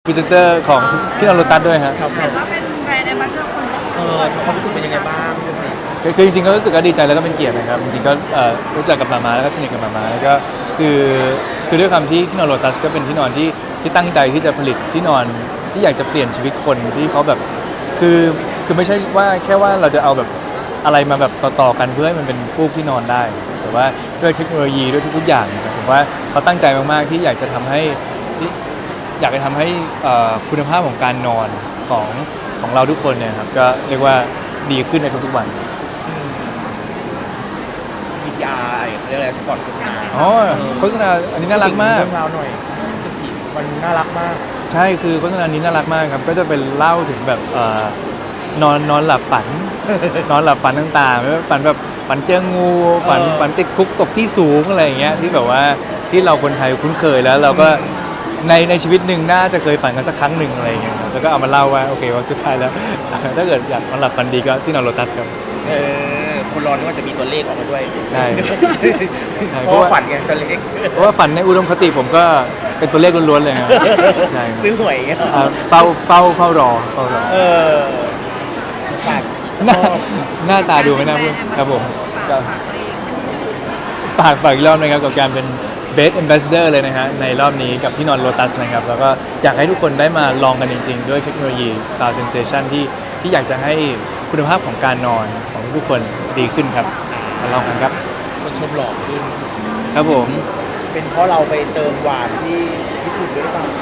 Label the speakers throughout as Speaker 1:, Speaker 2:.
Speaker 1: พรีเซนเตอร์ของที่เราโลตัสด้วยฮะ
Speaker 2: ครับ
Speaker 3: เห็นว่าเป็นแบรนด์แอมบาสเดอร์คนแรก
Speaker 2: ความรู้สึกเป็นยังไงบ้างพี่จริง
Speaker 1: คือจริงๆก็รู้สึกก็ดีใจแล้วก็เป็นเกียรตินะครับจริงๆก็รู้จักกับมาแล้วก็สนิทกับมาแล้วก็คือด้วยความที่นอนโลตัสก็เป็นที่นอนที่ตั้งใจที่จะผลิตที่นอนที่อยากจะเปลี่ยนชีวิตคนที่เขาแบบคือไม่ใช่ว่าแค่ว่าเราจะเอาแบบอะไรมาแบบต่อๆกันเพื่อให้มันเป็นฟูกที่นอนได้ แต่ว่าด้วยเทคโนโลยีด้วยทุกๆอย่างนะครับผมว่าเขาตั้งใจมากๆที่อยากจะทำให้คุณภาพของการนอนของเราทุกคนเนี่ยครับก็เรียกว่าดีขึ้นในทุกๆวัน
Speaker 2: VTR เขาเรียกอะไรสปอตโฆษณา
Speaker 1: อ๋อโฆษณาอันนี้น่ารักมาก
Speaker 2: เรื่องราวหน่อยจริงมันน่ารักมาก
Speaker 1: ใช่คือโฆษณานี้น่ารักมากครับก็จะเป็นเล่าถึงแบบนอนหลับฝัน นอนหลับฝันต่างๆไม่ว่าฝันแบบฝันเจองูฝันติดคุกตกที่สูงอะไรอย่างเงี้ยที่แบบว่าที่เราคนไทยคุ้นเคยแล้วเราก็ในชีวิตหนึ่งน่าจะเคยฝันกันสักครั้งหนึ่งอะไรอย่างเงี้ยครับแล้วก็เอามาเล่าว่าโอเคว่าสุดท้ายแล้ว ถ้าเกิดอยากนอนหลับฝันดีก็ที่นอนโลตัสครับ
Speaker 2: คนรอนึกว่าจะมีตัวเลขออกมาด้วย
Speaker 1: ใช่
Speaker 2: เพราะว่าฝันไงตัวเลข
Speaker 1: เพราะว่าฝันในอุดมคติผมก็เป็นตัวเลขล้วนๆเลยครับใช่ครับ
Speaker 2: ซื้อหวยอย่างเงี้ย
Speaker 1: เฝ้ารอ
Speaker 2: ฝาก
Speaker 1: หน้าตาดูไม่น่าพูดครับผมก็
Speaker 3: ฝากตัวเอง
Speaker 1: ฝากอีกรอบนะครับกับการเป็น Best Ambassador เลยนะฮะในรอบนี้กับที่นอนโลตัสนะครับแล้วก็อยากให้ทุกคนได้มาลองกันจริงๆ ด้วยเทคโนโลยี Cloud Sensation ที่อยากจะให้คุณภาพของการนอนของทุกคนดีขึ้นครับมาลองกันครับ
Speaker 2: คนชมหล่อขึ้น
Speaker 1: ครับผม
Speaker 2: เป็นเพราะเราไปเติมหวานที่ญี่ปุ่นด้วยหรือเปล่า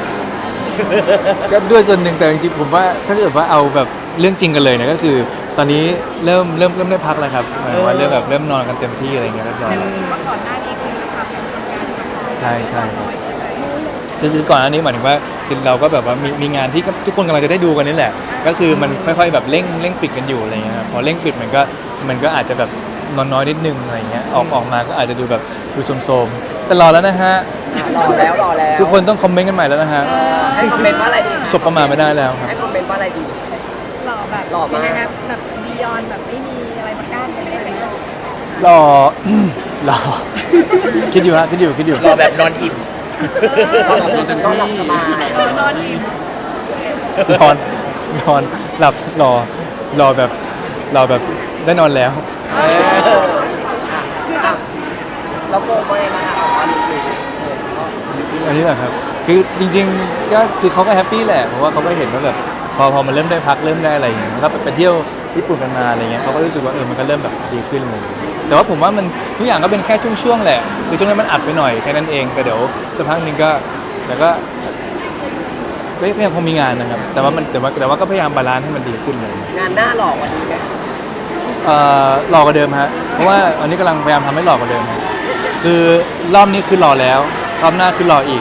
Speaker 1: ก็ด้วยส่วนหนึ่งแต่จริงๆผมว่าถ้าเกิดว่าเอาแบบเรื่องจริงกันเลยเนี่ยก็คือ ตอนนี้เริ่มได้พักแล้วครับหมายถึงว่าเริ่มนอนกันเต็มที่อะไรเงี้ยเรียบร้อยแล้ว
Speaker 3: ว่าก่อนหน้านี้คือทำงาน
Speaker 1: ใช่คือก่อนอันนี้หมายถึงว่าคือเราก็แบบว่ามีงานที่ทุกคนกำลังจะได้ดูกันนี่แหละ ก็คือมันค่อยๆแบบเร่งปิดกันอยู่อะไรเงี้ยครับพอเร่งปิดมันก็อาจจะแบบนอนน้อยนิดนึงอะไรเงี้ยออกมาก็อาจจะดูแบบดูโสมๆแต่รอแล้วนะฮะ
Speaker 4: รอแล้ว
Speaker 1: ทุกคนต้องคอมเมนต์กันใหม่แล้วนะฮะ
Speaker 4: ให้คอมเมนต์ว่าอะไรดี
Speaker 1: สบประมาทไม่ได้แล้วครับ
Speaker 4: ให้คอมเมนต์ว่าอะไรดี
Speaker 3: หล่อแบบ
Speaker 4: หล่อมาก
Speaker 3: ยังไงครับแบบบียอนแบบไม่มีอะไรมากั้นกันได้ไหม
Speaker 1: รอ รอคิดอยู่
Speaker 2: รอแบบนอนอิ่ม
Speaker 4: ต้องหลับสบาย
Speaker 3: นอนอิ่ม
Speaker 1: นอนหลับรอแบบได้นอนแล้ว
Speaker 3: คือต้อง
Speaker 4: แล้วโฟมไม่มาถามว่า
Speaker 1: อันนี้แหละครับคือจริงๆก็คือเขาก็แฮปปี้แหละเพราะว่าเขาก็เห็นว่าแบบพอมันเริ่มได้พักเริ่มได้อะไรอย่างเงี้ยแล้วก็ไปเที่ยวญี่ปุ่นกันมาอะไรเงี้ยเขาก็รู้สึกว่ามันก็เริ่มแบบดีขึ้นเลยแต่ว่าผมว่ามันทุกอย่างก็เป็นแค่ช่วงๆแหละคือช่วงนั้นมันอัดไปหน่อยแค่นั้นเองแต่เดี๋ยวสักพักหนึงก็ยังคงมีงานนะครับแต่ว่าก็พยายามบาลานซ์ให้มันดีขึ้นเลย
Speaker 4: งานหน้าหล่อวันนี้ไหม
Speaker 1: หล่อกว่าเดิมฮะเพราะว่าอันนี้กำลังพยายามทำให้หล่อกว่าเดิมฮะคือรอบนี้คือหล่อแล้วรอบหน้าคือหล่ออีก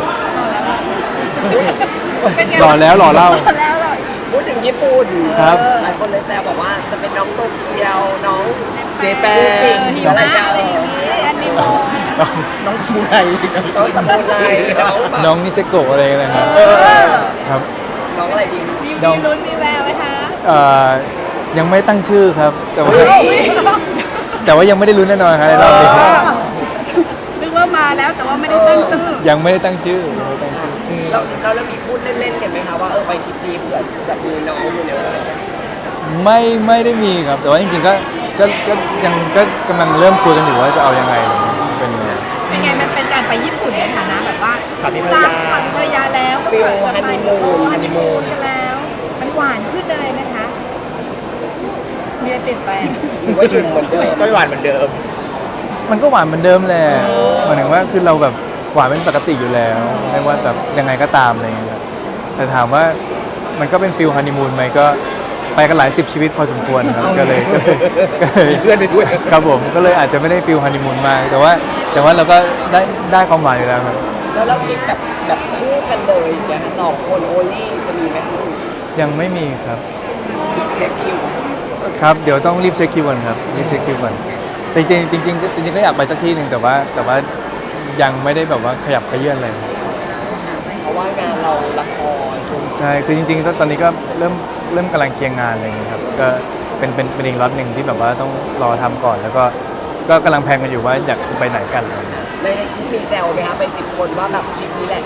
Speaker 3: เป็นไง
Speaker 1: หล่อแล้วหล่อเล่า
Speaker 3: แล้วหล่อ
Speaker 4: พูดถึงญี่ปุ่น
Speaker 1: ครับ
Speaker 4: หลายคนเลยแซวบอกว่าจะเป็นน้องโตเกียวน้อง
Speaker 2: เจแป
Speaker 4: จริ
Speaker 2: น
Speaker 4: ง
Speaker 3: หิมะอะไรอย่างงี้อันนี้โม
Speaker 2: น้องสมุไร
Speaker 4: น้องสมุนไพรน้องแบบ
Speaker 1: น้องนิเซโกะอะไรนะครับครับ
Speaker 4: น้องอะไรดี
Speaker 3: มีลุ้นมีแววไหมคะ
Speaker 1: ยังไม่ตั้งชื่อครับ แต่ว่ายังไม่ได้รู้แน่นอนครับในรอบนี้
Speaker 3: นึกว่ามาแล้วแต่ว่าไม่ได้ตั้งชื่อ
Speaker 1: ยังไม่ได้ตั้งชื่อ
Speaker 4: เรามีพูดเล่นๆกันไหมคะว่าไปทริปนี้เผื่อจะมีน้องอยู่ในอะไรเงี้ย
Speaker 1: ไม่ได้มีครับ แต่ว่าจริงๆก็ยังก็กำลังเริ่มคุยกันอยู่ว่าจะเอายังไงเป็นยังไง
Speaker 3: เป็นไงมันเป็นการไปญี่ปุ่นในฐานะแบบว่า
Speaker 2: สามีภรรยา
Speaker 3: สามีภรรยาแล้วก็
Speaker 4: ฟิล
Speaker 3: เปิด
Speaker 4: ฮันนีมูน
Speaker 3: ฮันนีมูนกันแล้ว มันหวานขึ้นเลยไหมคะมีอะไรเปลี่ยนแปลง
Speaker 4: หรือว่าอยู่เหมือนเดิม
Speaker 2: ก็หวานเหมือนเดิม
Speaker 1: มันก็หวานเหมือนเดิมแหละหมายถึงว่าคือเราแบบหวานเป็นปกติอยู่แล้วไม่ว่าแบบยังไงก็ตามอะไรเงี้ยครับแต่ถามว่ามันก็เป็นฟิลฮันนีมูนไหมก็ไปกันหลาย10ชีวิตพอสมควรครับก็เลย
Speaker 2: เพื่อนไปด้วย
Speaker 1: ครับผมก็เลยอาจจะไม่ได้ฟิลฮันนีมูนมากแต่ว่าเราก็ได้ความหวานอยู่แล้วครับ
Speaker 4: แล้วเราคิดแบบคู่กันเลยอย่างเงี้ยสองคนโอลี่จะมีไหมคะ
Speaker 1: ยังไม่มีครับ
Speaker 4: เช็คคิว
Speaker 1: ครับเดี๋ยวต้องรีบเช็คคิวก่อนครับรีบเช็คคิวก่อนแต่จริงๆก็อยากไปสักที่หนึ่งแต่ว่ายังไม่ได้แบบว่าขยับเขยื่อนเลย
Speaker 4: เพราะว่างานเราละคร
Speaker 1: ใช่คือจริงๆตอนนี้ก็เริ่มกำลังเคลียร์งานอะไรอย่างเงี้ยครับก็เป็นอีกล็อตหนึ่งที่แบบว่าต้องรอทำก่อนแล้วก็กำลังแพลนกันอยู่ว่าอยากจะไปไหนกันอะไรอย่างเงี้ย
Speaker 4: ในคลิปมีแซวไหมคะไป10 คนว่าแบบคลิปนี้แหละ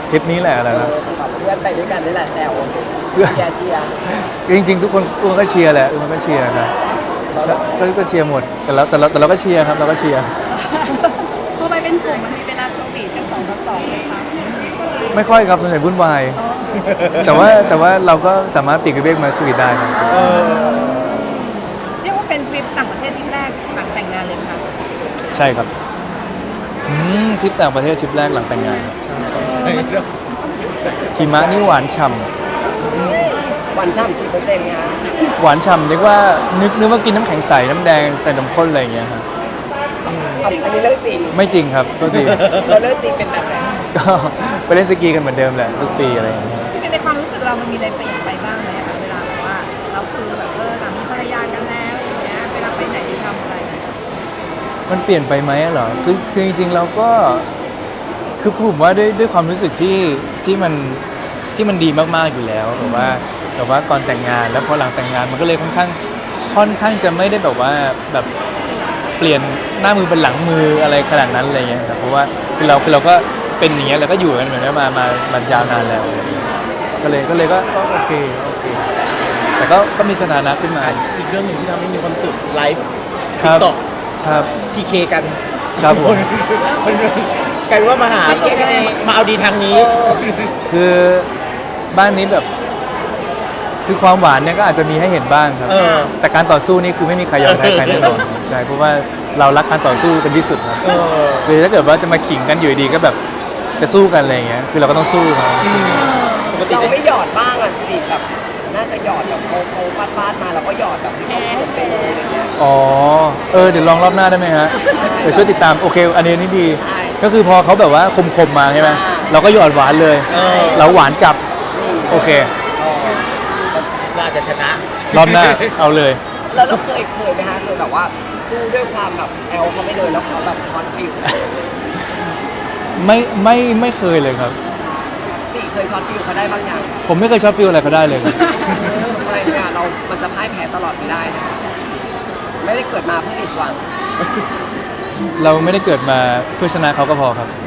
Speaker 1: ทริปนี้แหละอะไรนะ
Speaker 4: กับเพื่อนไปด้วยกันนี่แหละแซวเชียร์
Speaker 1: จริงๆทุกคนก็เชียร์แหละทุกคนก็เชียร์ครับก็เชียร์หมดแต่เราก็เชียร์ครับเราก็เชียร์
Speaker 3: พอไปเป็นกลุ่มมันมีเวลาสวีทกัน2 ต่อ 2เลยค่ะ
Speaker 1: ไม่ค่อยครับส่วนใหญ่วุ่นวายแต่ว่าเราก็สามารถปลีกวิเวกมาสวีทได้ครับ
Speaker 3: เรียกว่าเป็นทริปต่างประเทศทริปแรกหลังแต่งงานเลยไหมคะ
Speaker 1: ใช่ครับทริปต่างประเทศทริปแรกหลังแต่งงานหิมะนี่หวานฉ่
Speaker 4: วันช่ำกี่เปอร์เซ็นต์คะ
Speaker 1: ำหวานฉ่ำเรียกว่านึกว่ากินน้ำแข็งใสน้ำแดงใส่นมข้นอะไรอย่างเงี้ยครับ
Speaker 4: อันนี้เรื่องจริง
Speaker 1: ไม่จริงครับตัวจริง
Speaker 4: เราเรื่องจริงเป็นแบบไหน
Speaker 1: ก็ไปเล่นสกีกันเหมือนเดิมแหละทุกปีอะไรอย่างเงี้ย
Speaker 3: จริงๆในความรู้สึกเรามันมีอะไรเปลี่ยนไปบ้างไหมคะเวลาแบบว่าเราคือแบบสามีภรรยากันแล้วอย่างเงี้ยเวลาไปไหนหรือทำอะไร
Speaker 1: มันเปลี่ยนไปไหมเหรอคือจริงๆเราก็คือผมว่าด้วยความรู้สึกที่มันดีมากๆอยู่แล้วแบบว่าก่อนแต่งงานแล้วพอหลังแต่งงานมันก็เลยค่อนข้างจะไม่ได้แบบว่าแบบเปลี่ยนหน้ามือเป็นหลังมืออะไรขนาดนั้นอะไรเงี้ยครับเพราะว่าคือเราก็เป็นอย่างเงี้ยแล้วก็อยู่กันเหมือนกันมายาวนานแล้วก็เลยก็โอเคแต่ก็มีสถานะขึ้นมา
Speaker 2: อีกเรื่องหนึ่งที่ทำให้มีความสุขไลฟ์
Speaker 1: ครับ
Speaker 2: ต่อ
Speaker 1: ครับ
Speaker 2: พีเคกัน
Speaker 1: ครับผม
Speaker 2: มันกลายเป็นว่ามาหามาเอาดีทางนี้
Speaker 1: คือบ้านนี้แบบคือความหวานเนี่ยก็อาจจะมีให้เห็นบ้างครับ แต่การต่อสู้นี่คือไม่มีใครยอมแพ้ใครแน่นอนใช่เพราะว่าเรารักการต่อสู้เป็นที่สุดครับคือถ้าเกิดว่าจะมาขิงกันอยู่ดีก็แบบจะสู้กันอะไรอย่างเงี้ยคือเราก็ต้องสู้ครับ
Speaker 2: ปกติ
Speaker 4: เรา
Speaker 2: จะ
Speaker 4: ไม่หยอดบ้างอ่ะจีบแบบน่าจะหยอดแบบโค้งฟาดมาแล้วก็หยอดแบบให้เขาเป็นอะไรเงี้ย
Speaker 1: อ๋อเดี๋ยวลองรอบหน้าได้ไหมฮะเดี๋ยวช่วยติดตามโอเคอันนี้นี่ดี
Speaker 4: ใช่
Speaker 1: ก็คือพอเขาแบบว่าคมมาใช่ไหมเราก็หยอดหวานเลย เราหวานกลับโอเค
Speaker 2: เราอาจจะชนะ
Speaker 1: รอบหน้าเอาเลย
Speaker 4: แล้วเราเคยไหมคะเคยแบบว่าสู้ด้วยความแบบแอลเขาไม่เลยแล้วเขาแบบช้อนฟิว
Speaker 1: ไม่เคยเลยครับ
Speaker 4: จีเคยช้อนฟิวเขาได้บางอย่าง
Speaker 1: ผมไม่เคยช็อตฟิลอะไรเขาได้เลยครับ
Speaker 4: ทำไมเนี่ยมันจะพ่ายแพ้ตลอดไม่ได้นะไม่ได้เกิดมาเพื่อผิดหวัง
Speaker 1: เราไม่ได้เกิดมาเพื่อชนะเขาก็พอครับ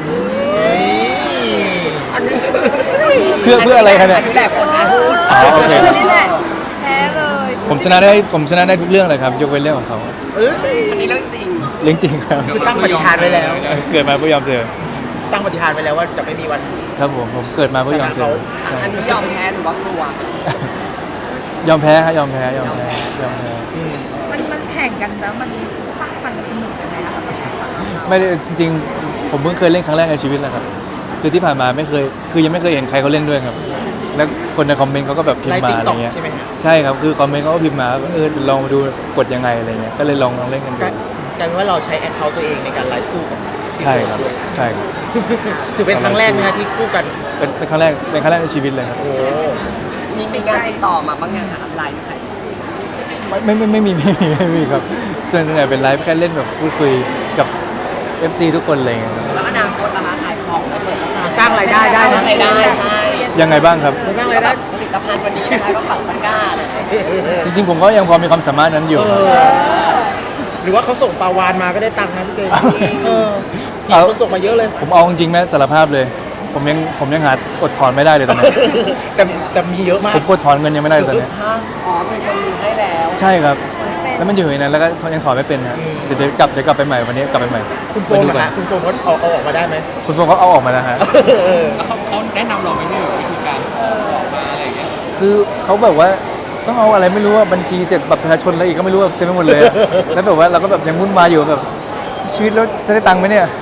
Speaker 4: อันนี้
Speaker 1: เพื่ออะไรคะเนี่ย
Speaker 4: อันนี้แหละคนนะ
Speaker 1: อ๋อโอเค
Speaker 3: นี่แหละแพ้เลย
Speaker 1: ผมชนะได้ทุกเรื่องเลยครับ ยกเว้นเรื่องของเขา
Speaker 4: อันนี้เรื่องจริง
Speaker 1: เรื่องจริงครับ
Speaker 2: คือตั้งปฏิฐานไว้แล้ว
Speaker 1: เกิดมาเพื่อยอมเจอ
Speaker 2: ตั้งปฏิฐานไว้แล้วว่าจะไม่มีวัน
Speaker 1: ครับผมเกิดมาเพื่อยอมเจอใช่
Speaker 4: อันนี้ยอมแพ้หรือว่ากลัว
Speaker 1: ยอมแพ้ครับยอมแพ้
Speaker 3: มันแข่งกันแล้วมันฟังฟันสนุกยังไงคะสำหรับฝั่งเรา
Speaker 1: ไม่ได้จริงๆ ผมเพิ่งเคยเล่นครั้งแรกในชีวิตแหละครับ คือที่ผ่านมาไม่เคยคือยังไม่เคยเห็นใครเขาเล่นด้วยครับ แล้วคนในคอมเมนต์เขาก็แบบพิม
Speaker 2: ไล
Speaker 1: พ์
Speaker 2: ฟ์
Speaker 1: มา
Speaker 2: ติ๊ก
Speaker 1: อะไร
Speaker 2: ต็อก
Speaker 1: เงี้ย
Speaker 2: ใช่ไหมฮะ
Speaker 1: ใช่ครับคือคอมเมนต์เขาก็พิมพ์มาว่าลองมาดูกดยังไงอะไรเงี้ยก็เลยลองเล่นกันดู
Speaker 2: กลายเป็นว่าเราใช้แอคเคาท์ตัวเองในการไลฟ์สู้กับ
Speaker 1: ใช่ครับใช่ครับ
Speaker 2: ถือเป็นครั้งแรกนะฮะที่คู่กัน
Speaker 1: เป็นครั้งแรกในชีวิตเลยครับ
Speaker 2: โอ้
Speaker 4: มีงานติดต่อมาบ้างยังคะไลน์ไหม
Speaker 1: ไม่มีครับส่วนใหญ่เป็นไลฟ์แค่เล่นแบบพูดคุยกับ FC ทุกคนอะไรเงี้ยครับ
Speaker 4: แล้วอนาคตล่ะคะขายของแล้วเปิด
Speaker 2: มาสร้างรายได้ได้
Speaker 4: สร้า
Speaker 2: นะ
Speaker 4: งรายได้ใช่
Speaker 1: ยังไงบ้างครับ
Speaker 2: มาสร้างรายได้
Speaker 4: ผลิตภัณฑ์วันนี้นะคะก็ปักตะกร้าเลย
Speaker 1: จริงๆผมก็ยังพอมีความสามารถนั้นอยู่ครับ
Speaker 2: หรือว่าเขาส่งปลาวานมาก็ได้ตังค์นะพี่เจพี่คนส่งมาเยอะเลย
Speaker 1: ผมเอาจริงๆแม่สารภาพเลย ผมยังหาอดถอนไม่ได้เลยตอนนี้
Speaker 2: แต่มีเยอะมาก
Speaker 1: ผมกดถอนเงินยังไม่ได้เลยตอนนี้
Speaker 4: ฮะอ๋อมีคนมีให้แล้ว
Speaker 1: ใช่ครับ แล้วมันอยู่ในนั้นแล้วก็ยังถอนไม่เป็นฮะเดี๋ยวกลับไปใหม่วันนี้กลับไปใหม่
Speaker 2: คุณโฟ
Speaker 1: ไป
Speaker 2: ม
Speaker 1: ดู
Speaker 2: นะ
Speaker 1: ก่อ
Speaker 2: ฮะคุณโฟมเขาเอาออกมาได้ไหม
Speaker 1: คุณโฟมเขาเอาออกมาแล้วฮะ
Speaker 5: แล้วเขาแนะนำเราไหมเนี่ยวิธีการออกมาอะไรอย่างเงี้ย
Speaker 1: คือเขาแบบว่าต้องเอาอะไรไม่รู้ว่าบัญชีเสร็จบัตรประชาชนอะไรอีกก็ไม่รู้ว่าเต็มไปหมดเลยอะแล้วแบบว่าเราก็แบบยังวุ่นวายอยู่แบบชีวิตแล้วจะได้ตังค์ไหมเนี่ย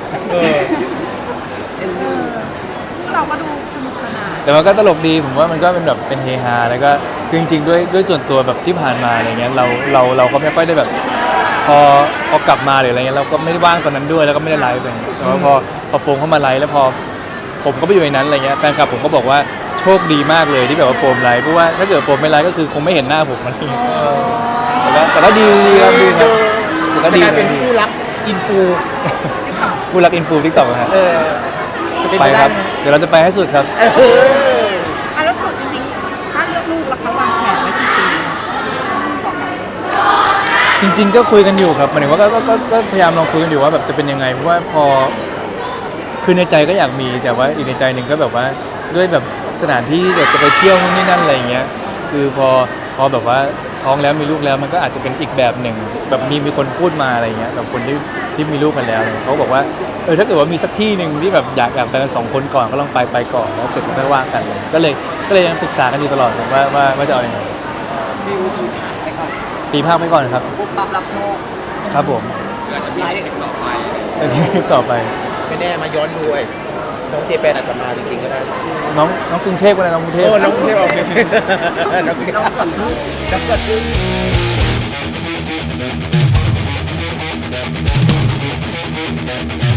Speaker 3: เราก็ดูสนุกสนาน
Speaker 1: แต่มันก็ตลกดีผมว่ามันก็เป็นแบบเป็นเฮฮาแล้วก็คือจริงๆด้วยส่วนตัวแบบที่ผ่านมาอะไรเงี้ยเราก็ไม่ค่อยได้แบบพอกลับมาหรืออะไรเงี้ยเราก็ไม่ได้ว่างตอนนั้นด้วยแล้วก็ไม่ได้ไลฟ์อะไรเงี้ยแต่ว่าพอโฟมเข้ามาไลฟ์แล้วพอผมก็ไปอยู่ในนั้นอะไรเงี้ยแฟนคลับผมก็บอกว่าโชคดีมากเลยที่แบบว่าโฟมไลฟ์เพราะว่าถ้าเกิดโฟมไม่ไลฟ์ก็คือคงไม่เห็นหน้าผมมันนี่แต่ก็ดีครับดีครับแต่ก็
Speaker 2: จะ
Speaker 1: ดี
Speaker 2: กลายเป็นคู่รักอินฟู
Speaker 1: ผู้รักอินฟูทิกตอกฮะ
Speaker 2: จะเป็น
Speaker 1: ไป
Speaker 2: ไปได้
Speaker 1: ครับ
Speaker 2: ไหม
Speaker 1: เดี๋ยวเราจะไปให้สุดครับ
Speaker 3: อ่ะแล้วสุดจริงๆถ้าเลือกลูกแล้วเขาวางแผนไว้กี่ปีบอกกัน
Speaker 1: จริง ๆ ก็คุยกันอยู่ครับหมายถึงว่าก็พยายามลองคุยกันอยู่ว่าแบบจะเป็นยังไงเพราะว่าพอคือในใจก็อยากมีแต่ว่าอีกในใจหนึ่งก็แบบว่าด้วยแบบสถานที่ที่จะไปเที่ยวนู่นนี่นั่นอะไรอย่างเงี้ยคือพอแบบว่าท้องแล้วมีลูกแล้วมันก็อาจจะเป็นอีกแบบหนึ่งแบบมีคนพูดมาอะไรเงี้ยแบบคนที่มีลูกกันแล้วเนี่ยเขาบอกว่าถ้าเกิดว่ามีสักที่หนึ่งที่แบบอยากไปกัน2 คนก่อนก็ลองไปก่อนแล้วเสร็จก็ค่อยว่ากันเลยก็เลยยังปรึกษากันอยู่ตลอดว่าจะเอายังไง
Speaker 4: วิวผ่านไปก่อน
Speaker 1: ปีภาคไปก่อนครับ
Speaker 4: ปุ๊บปั๊บรับโชค
Speaker 1: ครับผม
Speaker 5: คืออาจจะมีเทคต่อไป
Speaker 1: แล้วที่ต่อไป
Speaker 2: ไม่แน่มาย้อนดูไอ้น้องเจแปนอาจจะมาจริงๆก็ได้
Speaker 1: น้องกรุงเทพก็ได้น้องกรุงเทพ
Speaker 2: โอ้น้องกรุงเทพเอาน้องกรุงเทพ
Speaker 4: น้องสวนพึ่ง
Speaker 2: น้องเกิดขึ้น